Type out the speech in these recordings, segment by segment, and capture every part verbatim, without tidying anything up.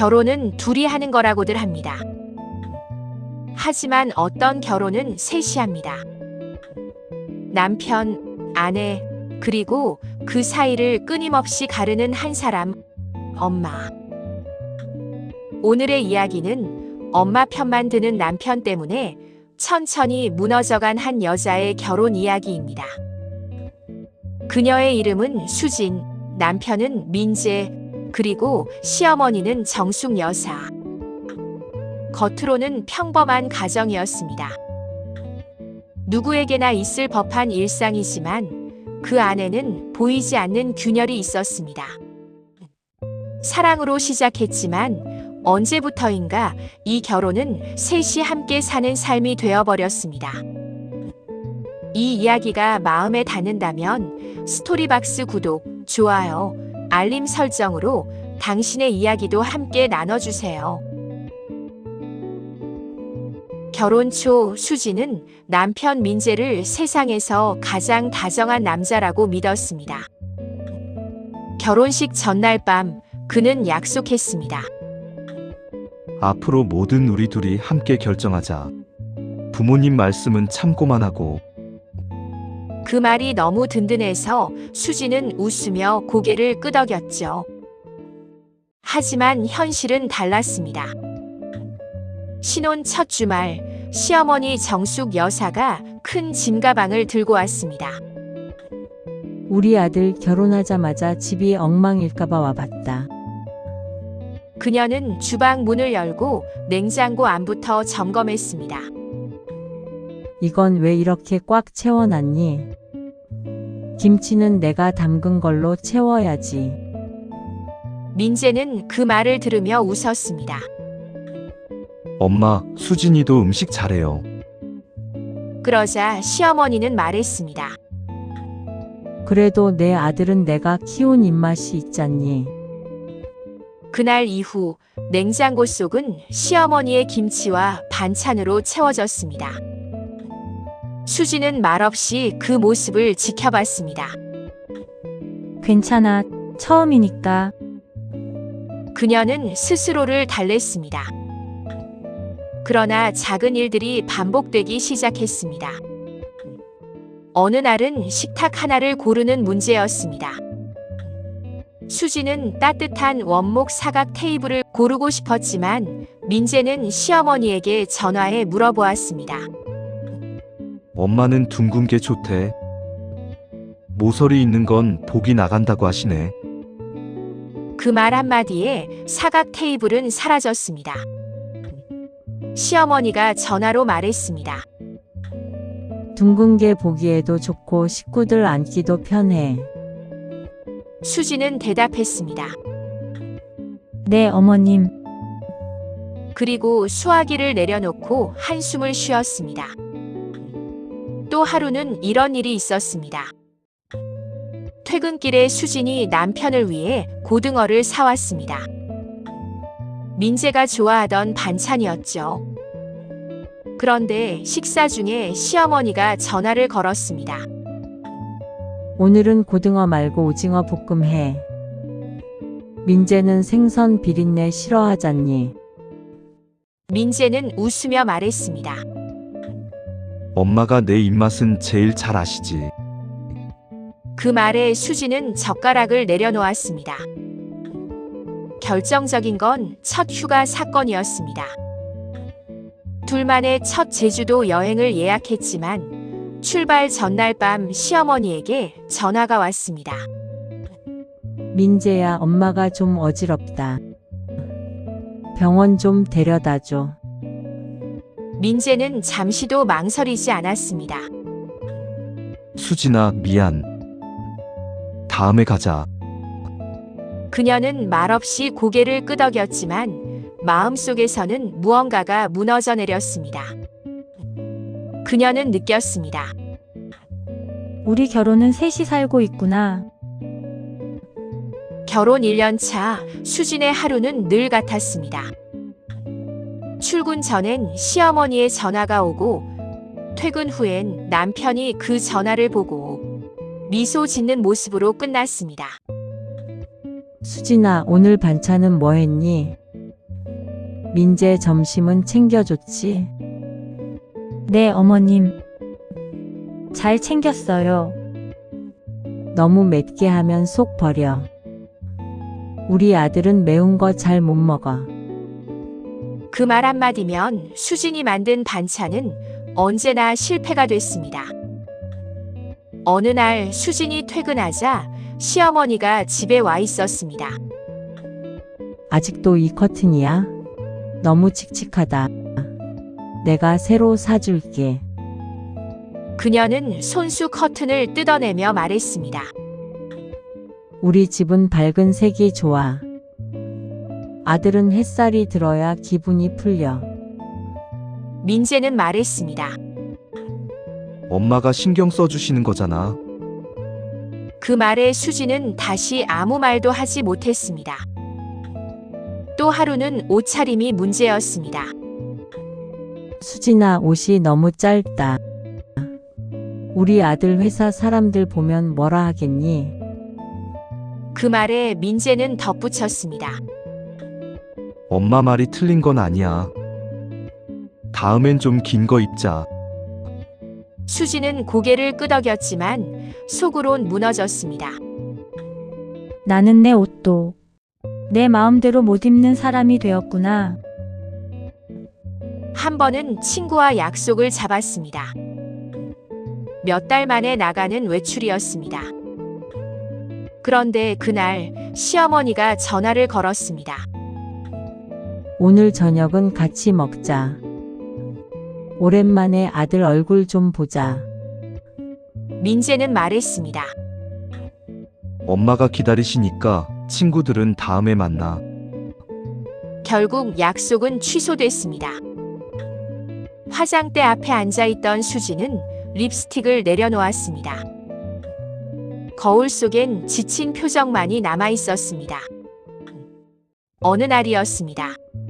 결혼은 둘이 하는 거라고들 합니다. 하지만 어떤 결혼은 셋이 합니다. 남편, 아내, 그리고 그 사이를 끊임없이 가르는 한 사람, 엄마. 오늘의 이야기는 엄마 편만 드는 남편 때문에 천천히 무너져간 한 여자의 결혼 이야기입니다. 그녀의 이름은 수진, 남편은 민재, 그리고 시어머니는 정숙 여사. 겉으로는 평범한 가정이었습니다. 누구에게나 있을 법한 일상이지만 그 안에는 보이지 않는 균열이 있었습니다. 사랑으로 시작했지만 언제부터인가 이 결혼은 셋이 함께 사는 삶이 되어버렸습니다. 이 이야기가 마음에 닿는다면 스토리박스 구독, 좋아요, 알림 설정으로 당신의 이야기도 함께 나눠주세요. 결혼 초 수진은 남편 민재를 세상에서 가장 다정한 남자라고 믿었습니다. 결혼식 전날 밤 그는 약속했습니다. 앞으로 모든 우리 둘이 함께 결정하자. 부모님 말씀은 참고만 하고. 그 말이 너무 든든해서 수진은 웃으며 고개를 끄덕였죠. 하지만 현실은 달랐습니다. 신혼 첫 주말, 시어머니 정숙 여사가 큰 짐가방을 들고 왔습니다. 우리 아들 결혼하자마자 집이 엉망일까봐 와봤다. 그녀는 주방 문을 열고 냉장고 안부터 점검했습니다. 이건 왜 이렇게 꽉 채워놨니? 김치는 내가 담근 걸로 채워야지. 민재는 그 말을 들으며 웃었습니다. 엄마, 수진이도 음식 잘해요. 그러자 시어머니는 말했습니다. 그래도 내 아들은 내가 키운 입맛이 있잖니. 그날 이후 냉장고 속은 시어머니의 김치와 반찬으로 채워졌습니다. 수진은 말없이 그 모습을 지켜봤습니다. 괜찮아. 처음이니까. 그녀는 스스로를 달랬습니다. 그러나 작은 일들이 반복되기 시작했습니다. 어느 날은 식탁 하나를 고르는 문제였습니다. 수진은 따뜻한 원목 사각 테이블을 고르고 싶었지만 민재는 시어머니에게 전화해 물어보았습니다. 엄마는 둥근 게 좋대. 모서리 있는 건 복이 나간다고 하시네. 그 말 한마디에 사각 테이블은 사라졌습니다. 시어머니가 전화로 말했습니다. 둥근 게 보기에도 좋고 식구들 앉기도 편해. 수진은 대답했습니다. 네, 어머님. 그리고 수화기를 내려놓고 한숨을 쉬었습니다. 또 하루는 이런 일이 있었습니다. 퇴근길에 수진이 남편을 위해 고등어를 사왔습니다. 민재가 좋아하던 반찬이었죠. 그런데 식사 중에 시어머니가 전화를 걸었습니다. 오늘은 고등어 말고 오징어 볶음 해. 민재는 생선 비린내 싫어하잖니. 민재는 웃으며 말했습니다. 엄마가 내 입맛은 제일 잘 아시지. 그 말에 수진은 젓가락을 내려놓았습니다. 결정적인 건 첫 휴가 사건이었습니다. 둘만의 첫 제주도 여행을 예약했지만 출발 전날 밤 시어머니에게 전화가 왔습니다. 민재야, 엄마가 좀 어지럽다. 병원 좀 데려다줘. 민재는 잠시도 망설이지 않았습니다. 수진아, 미안. 다음에 가자. 그녀는 말없이 고개를 끄덕였지만 마음속에서는 무언가가 무너져 내렸습니다. 그녀는 느꼈습니다. 우리 결혼은 셋이 살고 있구나. 결혼 일 년 차 수진의 하루는 늘 같았습니다. 출근 전엔 시어머니의 전화가 오고 퇴근 후엔 남편이 그 전화를 보고 미소 짓는 모습으로 끝났습니다. 수진아, 오늘 반찬은 뭐 했니? 민재 점심은 챙겨줬지? 네, 어머님. 잘 챙겼어요. 너무 맵게 하면 속 버려. 우리 아들은 매운 거 잘 못 먹어. 그 말 한마디면 수진이 만든 반찬은 언제나 실패가 됐습니다. 어느 날 수진이 퇴근하자 시어머니가 집에 와 있었습니다. 아직도 이 커튼이야? 너무 칙칙하다. 내가 새로 사줄게. 그녀는 손수 커튼을 뜯어내며 말했습니다. 우리 집은 밝은 색이 좋아. 아들은 햇살이 들어야 기분이 풀려. 민재는 말했습니다. 엄마가 신경 써주시는 거잖아. 그 말에 수지는 다시 아무 말도 하지 못했습니다. 또 하루는 옷차림이 문제였습니다. 수진아, 옷이 너무 짧다. 우리 아들 회사 사람들 보면 뭐라 하겠니? 그 말에 민재는 덧붙였습니다. 엄마 말이 틀린 건 아니야. 다음엔 좀 긴 거 입자. 수지는 고개를 끄덕였지만 속으론 무너졌습니다. 나는 내 옷도 내 마음대로 못 입는 사람이 되었구나. 한 번은 친구와 약속을 잡았습니다. 몇 달 만에 나가는 외출이었습니다. 그런데 그날 시어머니가 전화를 걸었습니다. 오늘 저녁은 같이 먹자. 오랜만에 아들 얼굴 좀 보자. 민재는 말했습니다. 엄마가 기다리시니까 친구들은 다음에 만나. 결국 약속은 취소됐습니다. 화장대 앞에 앉아있던 수지는 립스틱을 내려놓았습니다. 거울 속엔 지친 표정만이 남아있었습니다. 어느 날이었습니다.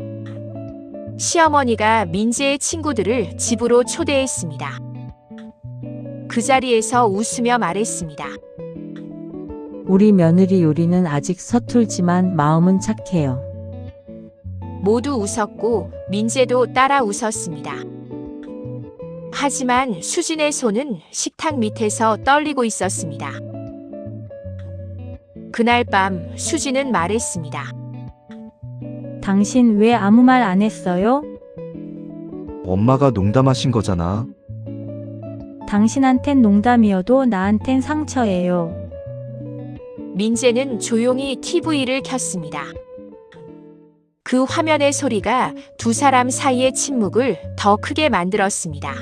시어머니가 민재의 친구들을 집으로 초대했습니다. 그 자리에서 웃으며 말했습니다. 우리 며느리 요리는 아직 서툴지만 마음은 착해요. 모두 웃었고 민재도 따라 웃었습니다. 하지만 수진의 손은 식탁 밑에서 떨리고 있었습니다. 그날 밤 수진은 말했습니다. 당신 왜 아무 말 안 했어요? 엄마가 농담하신 거잖아. 당신한텐 농담이어도 나한텐 상처예요. 민재는 조용히 티비를 켰습니다. 그 화면의 소리가 두 사람 사이의 침묵을 더 크게 만들었습니다.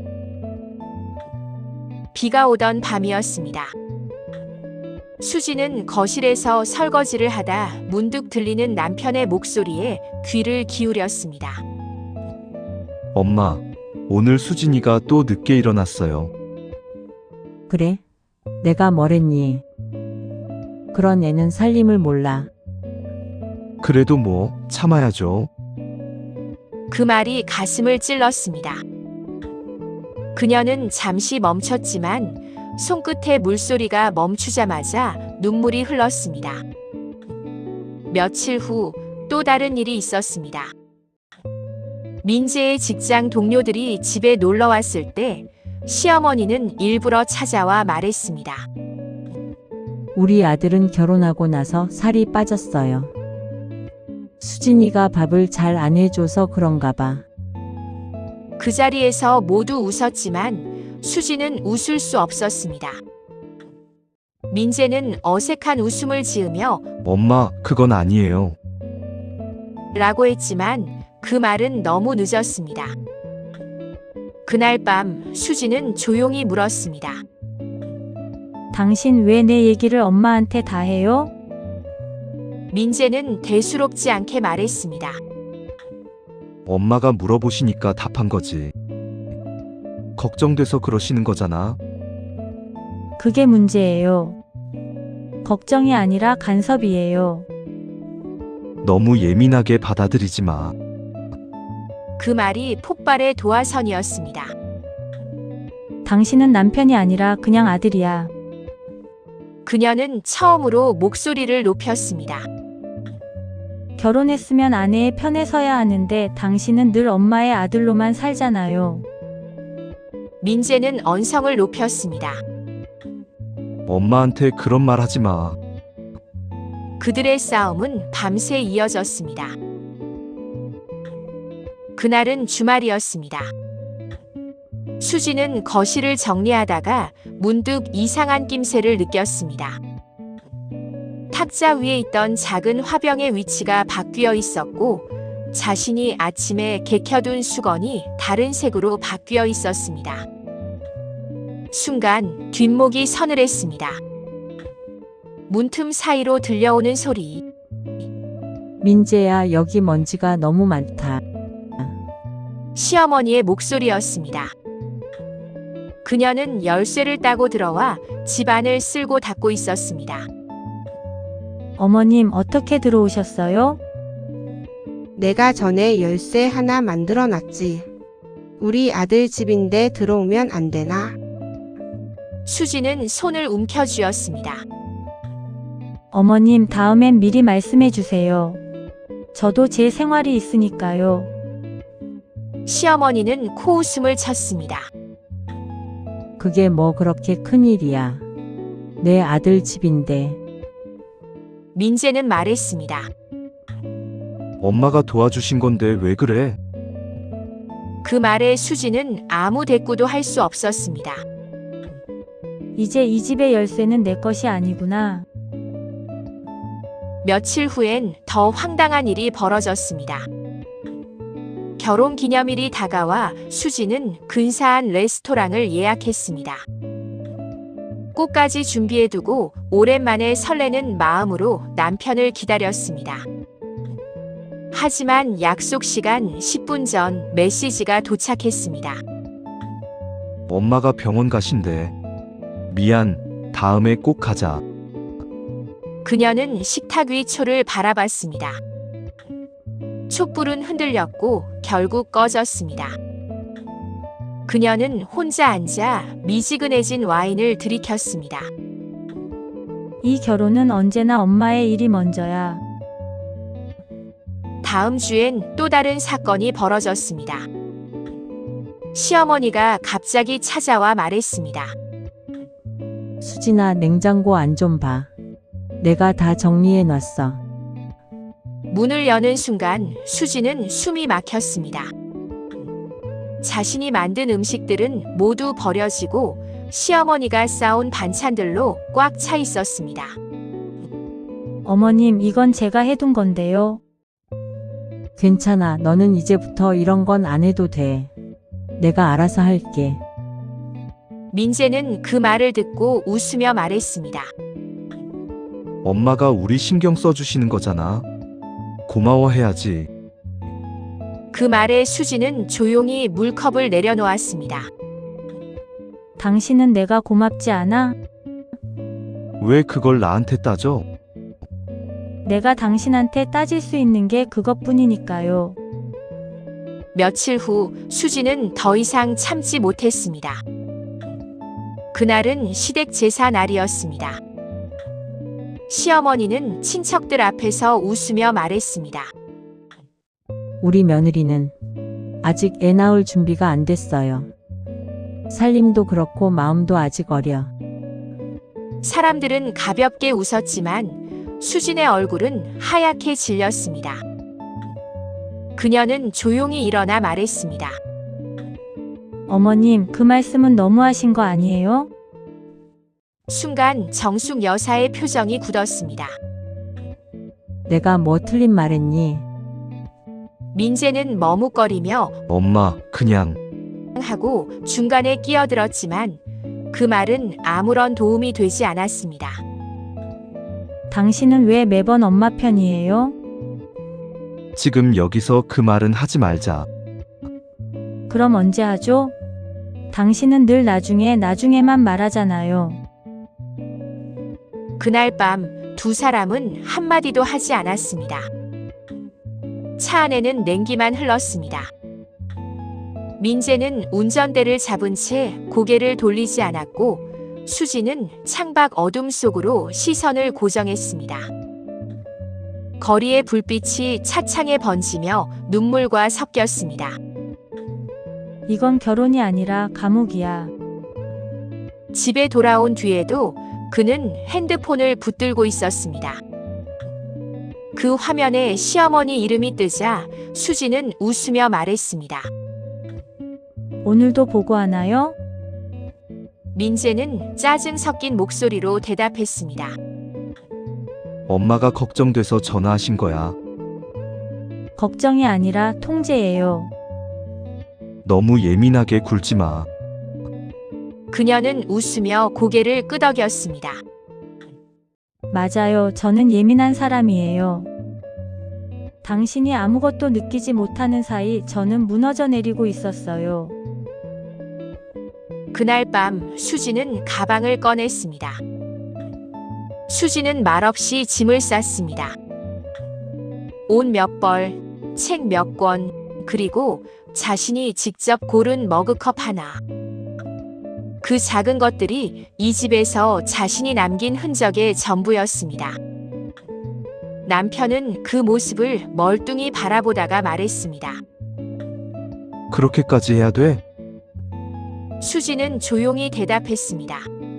비가 오던 밤이었습니다. 수지는 거실에서 설거지를 하다 문득 들리는 남편의 목소리에 귀를 기울였습니다. 엄마, 오늘 수진이가 또 늦게 일어났어요. 그래? 내가 뭐랬니? 그런 애는 살림을 몰라. 그래도 뭐 참아야죠. 그 말이 가슴을 찔렀습니다. 그녀는 잠시 멈췄지만 손끝에 물소리가 멈추자마자 눈물이 흘렀습니다. 며칠 후 또 다른 일이 있었습니다. 민재의 직장 동료들이 집에 놀러 왔을 때 시어머니는 일부러 찾아와 말했습니다. 우리 아들은 결혼하고 나서 살이 빠졌어요. 수진이가 밥을 잘 안 해줘서 그런가 봐. 그 자리에서 모두 웃었지만 수지는 웃을 수 없었습니다. 민재는 어색한 웃음을 지으며 엄마, 그건 아니에요. 라고 했지만 그 말은 너무 늦었습니다. 그날 밤 수지는 조용히 물었습니다. 당신 왜 내 얘기를 엄마한테 다 해요? 민재는 대수롭지 않게 말했습니다. 엄마가 물어보시니까 답한 거지. 걱정돼서 그러시는 거잖아. 그게 문제예요. 걱정이 아니라 간섭이에요. 너무 예민하게 받아들이지 마. 그 말이 폭발의 도화선이었습니다. 당신은 남편이 아니라 그냥 아들이야. 그녀는 처음으로 목소리를 높였습니다. 결혼했으면 아내의 편에 서야 하는데 당신은 늘 엄마의 아들로만 살잖아요. 민재는 언성을 높였습니다. 엄마한테 그런 말 하지 마. 그들의 싸움은 밤새 이어졌습니다. 그날은 주말이었습니다. 수지는 거실을 정리하다가 문득 이상한 낌새를 느꼈습니다. 탁자 위에 있던 작은 화병의 위치가 바뀌어 있었고 자신이 아침에 개켜둔 수건이 다른 색으로 바뀌어 있었습니다. 순간 뒷목이 서늘했습니다. 문틈 사이로 들려오는 소리. 민재야, 여기 먼지가 너무 많다. 시어머니의 목소리였습니다. 그녀는 열쇠를 따고 들어와 집안을 쓸고 닦고 있었습니다. 어머님, 어떻게 들어오셨어요? 내가 전에 열쇠 하나 만들어 놨지. 우리 아들 집인데 들어오면 안 되나? 수지는 손을 움켜쥐었습니다. 어머님, 다음엔 미리 말씀해 주세요. 저도 제 생활이 있으니까요. 시어머니는 코웃음을 쳤습니다. 그게 뭐 그렇게 큰일이야. 내 아들 집인데. 민재는 말했습니다. 엄마가 도와주신 건데 왜 그래? 그 말에 수지는 아무 대꾸도 할 수 없었습니다. 이제 이 집의 열쇠는 내 것이 아니구나. 며칠 후엔 더 황당한 일이 벌어졌습니다. 결혼 기념일이 다가와 수지는 근사한 레스토랑을 예약했습니다. 꽃까지 준비해두고 오랜만에 설레는 마음으로 남편을 기다렸습니다. 하지만 약속 시간 십 분 전 메시지가 도착했습니다. 엄마가 병원 가신대. 미안, 다음에 꼭 가자. 그녀는 식탁 위 초를 바라봤습니다. 촛불은 흔들렸고 결국 꺼졌습니다. 그녀는 혼자 앉아 미지근해진 와인을 들이켰습니다. 이 결혼은 언제나 엄마의 일이 먼저야. 다음 주엔 또 다른 사건이 벌어졌습니다. 시어머니가 갑자기 찾아와 말했습니다. 수진아, 냉장고 안 좀 봐. 내가 다 정리해 놨어. 문을 여는 순간 수지는 숨이 막혔습니다. 자신이 만든 음식들은 모두 버려지고 시어머니가 싸온 반찬들로 꽉 차 있었습니다. 어머님, 이건 제가 해둔 건데요. 괜찮아. 너는 이제부터 이런 건 안 해도 돼. 내가 알아서 할게. 민재는 그 말을 듣고 웃으며 말했습니다. 엄마가 우리 신경 써주시는 거잖아. 고마워해야지. 그 말에 수지는 조용히 물컵을 내려놓았습니다. 당신은 내가 고맙지 않아? 왜 그걸 나한테 따져? 내가 당신한테 따질 수 있는 게 그것뿐이니까요. 며칠 후 수지는 더 이상 참지 못했습니다. 그날은 시댁 제사 날이었습니다. 시어머니는 친척들 앞에서 웃으며 말했습니다. 우리 며느리는 아직 애 낳을 준비가 안 됐어요. 살림도 그렇고 마음도 아직 어려. 사람들은 가볍게 웃었지만 수진의 얼굴은 하얗게 질렸습니다. 그녀는 조용히 일어나 말했습니다. 어머님, 그 말씀은 너무하신 거 아니에요? 순간 정숙 여사의 표정이 굳었습니다. 내가 뭐 틀린 말했니? 민재는 머뭇거리며 엄마, 그냥. 하고 중간에 끼어들었지만 그 말은 아무런 도움이 되지 않았습니다. 당신은 왜 매번 엄마 편이에요? 지금 여기서 그 말은 하지 말자. 그럼 언제 하죠? 당신은 늘 나중에 나중에만 말하잖아요. 그날 밤 두 사람은 한마디도 하지 않았습니다. 차 안에는 냉기만 흘렀습니다. 민재는 운전대를 잡은 채 고개를 돌리지 않았고 수지는 창밖 어둠 속으로 시선을 고정했습니다. 거리의 불빛이 차창에 번지며 눈물과 섞였습니다. 이건 결혼이 아니라 감옥이야. 집에 돌아온 뒤에도 그는 핸드폰을 붙들고 있었습니다. 그 화면에 시어머니 이름이 뜨자 수지는 웃으며 말했습니다. 오늘도 보고하나요? 민재는 짜증 섞인 목소리로 대답했습니다. 엄마가 걱정돼서 전화하신 거야. 걱정이 아니라 통제예요. 너무 예민하게 굴지 마. 그녀는 웃으며 고개를 끄덕였습니다. 맞아요. 저는 예민한 사람이에요. 당신이 아무것도 느끼지 못하는 사이 저는 무너져 내리고 있었어요. 그날 밤 수지는 가방을 꺼냈습니다. 수지는 말없이 짐을 쌌습니다. 옷 몇 벌, 책 몇 권, 그리고 자신이 직접 고른 머그컵 하나. 그 작은 것들이 이 집에서 자신이 남긴 흔적의 전부였습니다. 남편은 그 모습을 멀뚱히 바라보다가 말했습니다. 그렇게까지 해야 돼? 수지는 조용히 대답했습니다.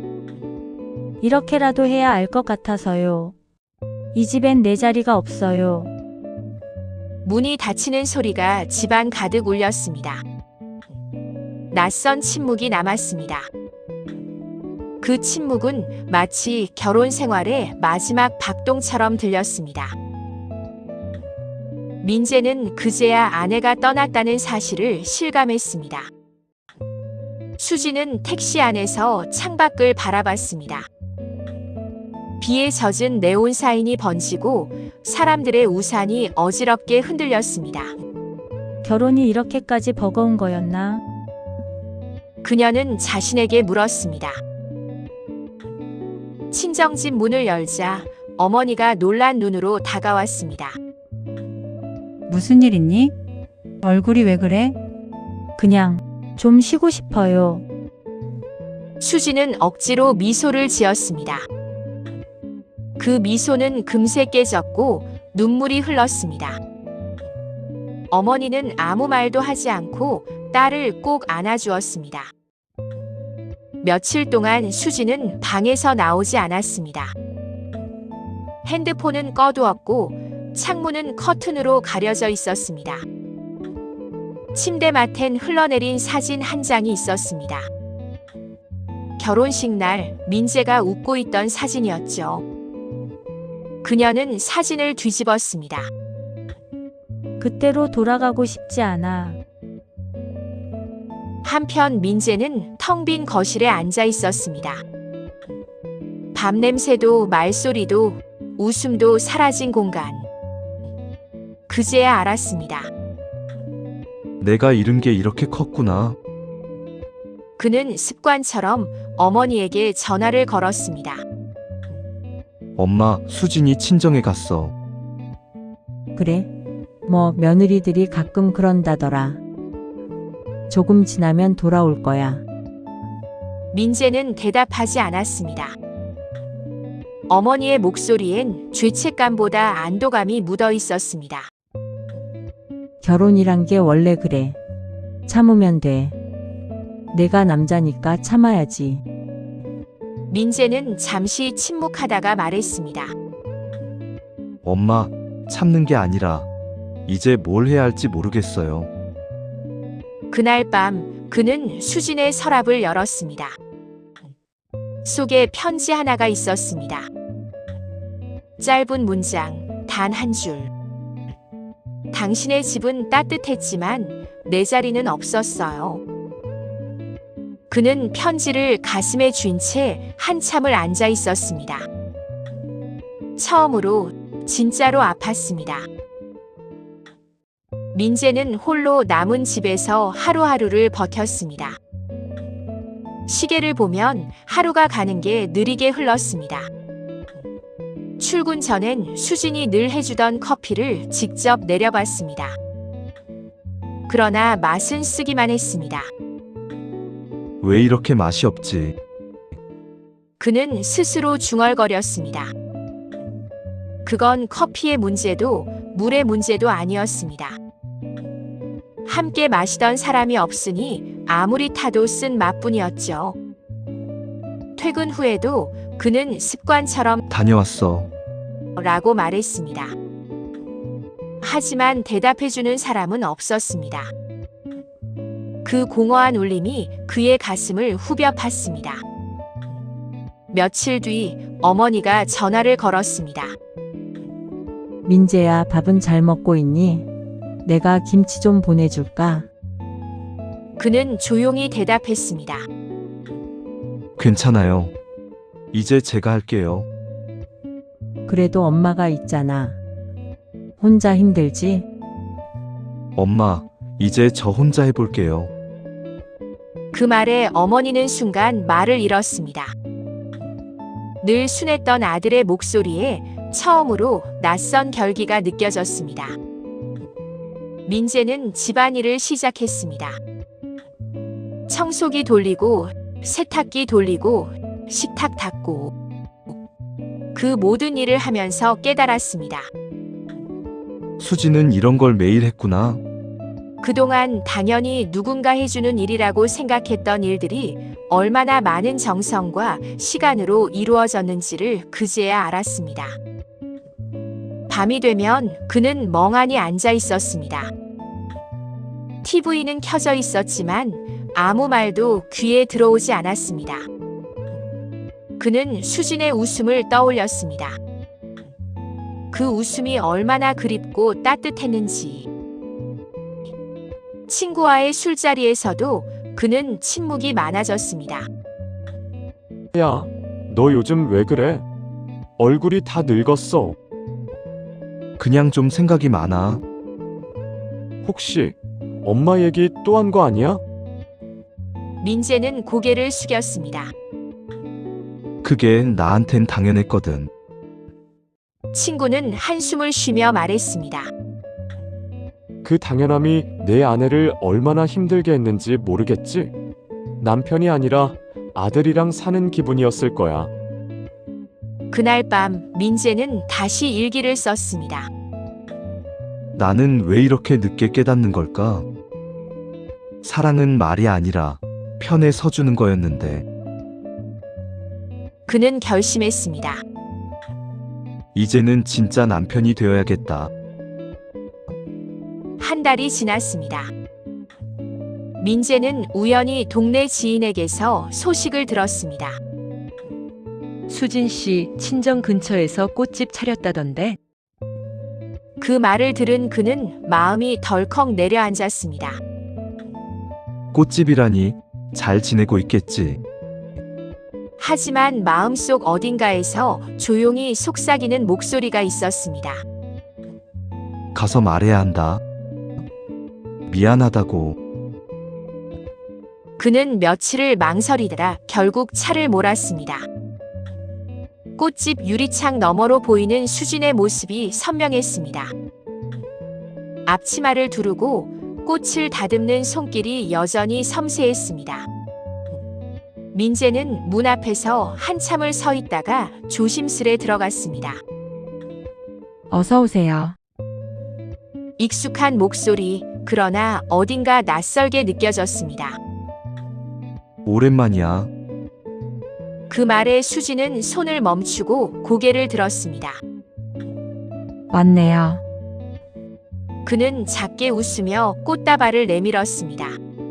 이렇게라도 해야 알 것 같아서요. 이 집엔 내 자리가 없어요. 문이 닫히는 소리가 집안 가득 울렸습니다. 낯선 침묵이 남았습니다. 그 침묵은 마치 결혼 생활의 마지막 박동처럼 들렸습니다. 민재는 그제야 아내가 떠났다는 사실을 실감했습니다. 수지는 택시 안에서 창밖을 바라봤습니다. 비에 젖은 네온 사인이 번지고 사람들의 우산이 어지럽게 흔들렸습니다. 결혼이 이렇게까지 버거운 거였나? 그녀는 자신에게 물었습니다. 친정집 문을 열자 어머니가 놀란 눈으로 다가왔습니다. 무슨 일 있니? 얼굴이 왜 그래? 그냥 좀 쉬고 싶어요. 수지는 억지로 미소를 지었습니다. 그 미소는 금세 깨졌고 눈물이 흘렀습니다. 어머니는 아무 말도 하지 않고 딸을 꼭 안아주었습니다. 며칠 동안 수지는 방에서 나오지 않았습니다. 핸드폰은 꺼두었고 창문은 커튼으로 가려져 있었습니다. 침대맡엔 흘러내린 사진 한 장이 있었습니다. 결혼식 날 민재가 웃고 있던 사진이었죠. 그녀는 사진을 뒤집었습니다. 그때로 돌아가고 싶지 않아. 한편 민재는 텅 빈 거실에 앉아 있었습니다. 밤 냄새도 말소리도 웃음도 사라진 공간. 그제야 알았습니다. 내가 잃은 게 이렇게 컸구나. 그는 습관처럼 어머니에게 전화를 걸었습니다. 엄마, 수진이 친정에 갔어. 그래? 뭐 며느리들이 가끔 그런다더라. 조금 지나면 돌아올 거야. 민재는 대답하지 않았습니다. 어머니의 목소리엔 죄책감보다 안도감이 묻어 있었습니다. 결혼이란 게 원래 그래. 참으면 돼. 내가 남자니까 참아야지. 민재는 잠시 침묵하다가 말했습니다. 엄마, 참는 게 아니라 이제 뭘 해야 할지 모르겠어요. 그날 밤 그는 수진의 서랍을 열었습니다. 속에 편지 하나가 있었습니다. 짧은 문장, 단 한 줄. 당신의 집은 따뜻했지만 내 자리는 없었어요. 그는 편지를 가슴에 쥔 채 한참을 앉아 있었습니다. 처음으로 진짜로 아팠습니다. 민재는 홀로 남은 집에서 하루하루를 버텼습니다. 시계를 보면 하루가 가는 게 느리게 흘렀습니다. 출근 전엔 수진이 늘 해주던 커피를 직접 내려봤습니다. 그러나 맛은 쓰기만 했습니다. 왜 이렇게 맛이 없지? 그는 스스로 중얼거렸습니다. 그건 커피의 문제도 물의 문제도 아니었습니다. 함께 마시던 사람이 없으니 아무리 타도 쓴 맛뿐이었죠. 퇴근 후에도 그는 습관처럼 다녀왔어. 라고 말했습니다. 하지만 대답해주는 사람은 없었습니다. 그 공허한 울림이 그의 가슴을 후벼 팠습니다. 며칠 뒤 어머니가 전화를 걸었습니다. 민재야, 밥은 잘 먹고 있니? 내가 김치 좀 보내줄까? 그는 조용히 대답했습니다. 괜찮아요. 이제 제가 할게요. 그래도 엄마가 있잖아. 혼자 힘들지? 엄마, 이제 저 혼자 해볼게요. 그 말에 어머니는 순간 말을 잃었습니다. 늘 순했던 아들의 목소리에 처음으로 낯선 결기가 느껴졌습니다. 민재는 집안일을 시작했습니다. 청소기 돌리고 세탁기 돌리고 식탁 닦고 그 모든 일을 하면서 깨달았습니다. 수지는 이런 걸 매일 했구나. 그동안 당연히 누군가 해주는 일이라고 생각했던 일들이 얼마나 많은 정성과 시간으로 이루어졌는지를 그제야 알았습니다. 밤이 되면 그는 멍하니 앉아 있었습니다. 티비는 켜져 있었지만 아무 말도 귀에 들어오지 않았습니다. 그는 수진의 웃음을 떠올렸습니다. 그 웃음이 얼마나 그립고 따뜻했는지. 친구와의 술자리에서도 그는 침묵이 많아졌습니다. 야, 너 요즘 왜 그래? 얼굴이 다 늙었어. 그냥 좀 생각이 많아. 혹시 엄마 얘기 또 한 거 아니야? 민재는 고개를 숙였습니다. 그게 나한텐 당연했거든. 친구는 한숨을 쉬며 말했습니다. 그 당연함이 내 아내를 얼마나 힘들게 했는지 모르겠지? 남편이 아니라 아들이랑 사는 기분이었을 거야. 그날 밤 민재는 다시 일기를 썼습니다. 나는 왜 이렇게 늦게 깨닫는 걸까? 사랑은 말이 아니라 편에 서주는 거였는데. 그는 결심했습니다. 이제는 진짜 남편이 되어야겠다. 한 달이 지났습니다. 민재는 우연히 동네 지인에게서 소식을 들었습니다. 수진 씨 친정 근처에서 꽃집 차렸다던데. 그 말을 들은 그는 마음이 덜컥 내려앉았습니다. 꽃집이라니 잘 지내고 있겠지. 하지만 마음속 어딘가에서 조용히 속삭이는 목소리가 있었습니다. 가서 말해야 한다. 미안하다고. 그는 며칠을 망설이다가 결국 차를 몰았습니다. 꽃집 유리창 너머로 보이는 수진의 모습이 선명했습니다. 앞치마를 두르고 꽃을 다듬는 손길이 여전히 섬세했습니다. 민재는 문 앞에서 한참을 서 있다가 조심스레 들어갔습니다. 어서 오세요. 익숙한 목소리, 그러나 어딘가 낯설게 느껴졌습니다. 오랜만이야. 그 말에 수지는 손을 멈추고 고개를 들었습니다. 왔네요. 그는 작게 웃으며 꽃다발을 내밀었습니다.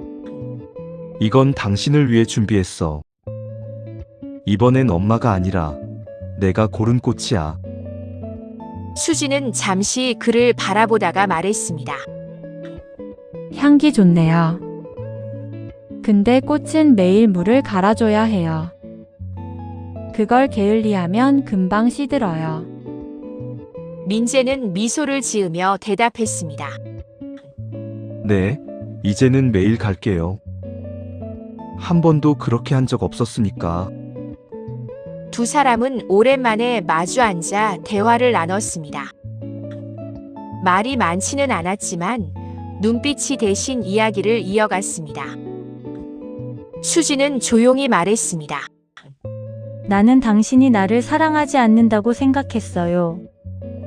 이건 당신을 위해 준비했어. 이번엔 엄마가 아니라 내가 고른 꽃이야. 수지는 잠시 그를 바라보다가 말했습니다. 향기 좋네요. 근데 꽃은 매일 물을 갈아줘야 해요. 그걸 게을리하면 금방 시들어요. 민재는 미소를 지으며 대답했습니다. 네, 이제는 매일 갈게요. 한 번도 그렇게 한 적 없었으니까. 두 사람은 오랜만에 마주 앉아 대화를 나눴습니다. 말이 많지는 않았지만 눈빛이 대신 이야기를 이어갔습니다. 수지는 조용히 말했습니다. 나는 당신이 나를 사랑하지 않는다고 생각했어요.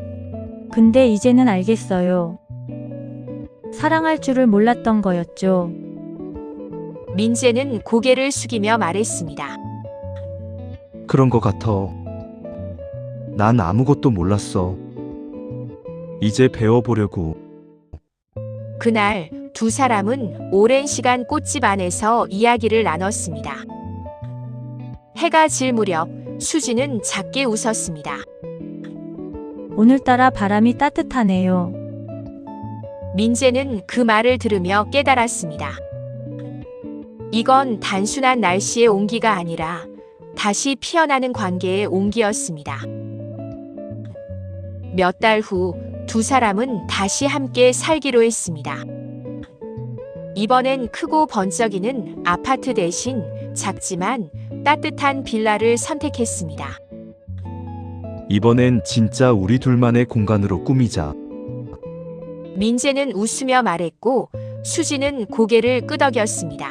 근데 이제는 알겠어요. 사랑할 줄을 몰랐던 거였죠. 민재는 고개를 숙이며 말했습니다. 그런 거 같아. 난 아무것도 몰랐어. 이제 배워보려고. 그날 두 사람은 오랜 시간 꽃집 안에서 이야기를 나눴습니다. 해가 질 무렵 수지는 작게 웃었습니다. 오늘따라 바람이 따뜻하네요. 민재는 그 말을 들으며 깨달았습니다. 이건 단순한 날씨의 온기가 아니라 다시 피어나는 관계의 온기였습니다. 몇 달 후 두 사람은 다시 함께 살기로 했습니다. 이번엔 크고 번쩍이는 아파트 대신 작지만 따뜻한 빌라를 선택했습니다. 이번엔 진짜 우리 둘만의 공간으로 꾸미자. 민재는 웃으며 말했고 수지는 고개를 끄덕였습니다.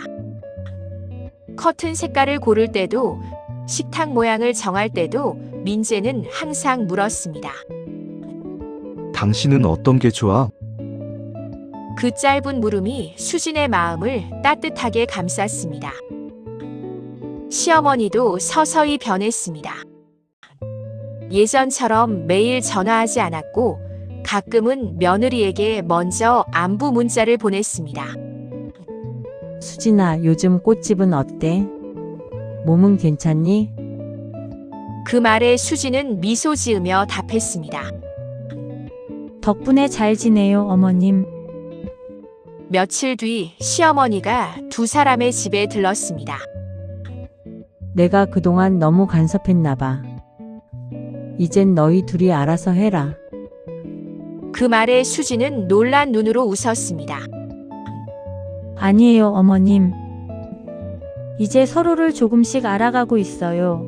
커튼 색깔을 고를 때도 식탁 모양을 정할 때도 민재는 항상 물었습니다. 당신은 어떤 게 좋아? 그 짧은 물음이 수진의 마음을 따뜻하게 감쌌습니다. 시어머니도 서서히 변했습니다. 예전처럼 매일 전화하지 않았고 가끔은 며느리에게 먼저 안부 문자를 보냈습니다. 수진아, 요즘 꽃집은 어때? 몸은 괜찮니? 그 말에 수진은 미소 지으며 답했습니다. 덕분에 잘 지내요, 어머님. 며칠 뒤 시어머니가 두 사람의 집에 들렀습니다. 내가 그동안 너무 간섭했나 봐. 이젠 너희 둘이 알아서 해라. 그 말에 수지는 놀란 눈으로 웃었습니다. 아니에요, 어머님. 이제 서로를 조금씩 알아가고 있어요.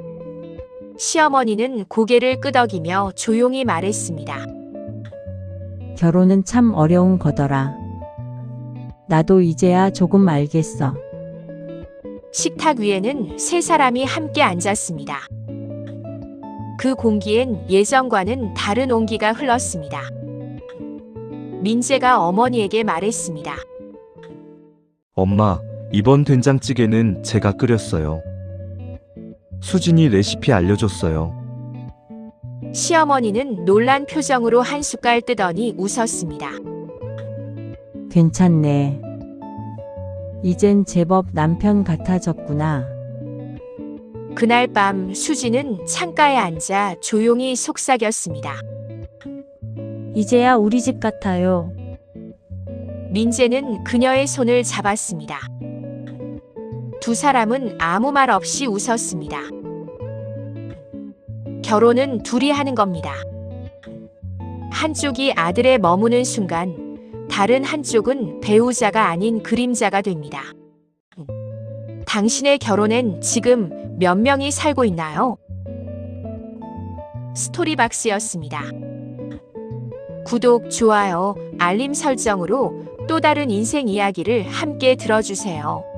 시어머니는 고개를 끄덕이며 조용히 말했습니다. 결혼은 참 어려운 거더라. 나도 이제야 조금 알겠어. 식탁 위에는 세 사람이 함께 앉았습니다. 그 공기엔 예전과는 다른 온기가 흘렀습니다. 민재가 어머니에게 말했습니다. 엄마, 이번 된장찌개는 제가 끓였어요. 수진이 레시피 알려줬어요. 시어머니는 놀란 표정으로 한 숟갈 뜨더니 웃었습니다. 괜찮네. 이젠 제법 남편 같아졌구나. 그날 밤 수지는 창가에 앉아 조용히 속삭였습니다. 이제야 우리 집 같아요. 민재는 그녀의 손을 잡았습니다. 두 사람은 아무 말 없이 웃었습니다. 결혼은 둘이 하는 겁니다. 한쪽이 아들에 머무는 순간 다른 한쪽은 배우자가 아닌 그림자가 됩니다. 당신의 결혼엔 지금 몇 명이 살고 있나요? 스토리박스였습니다. 구독, 좋아요, 알림 설정으로 또 다른 인생 이야기를 함께 들어주세요.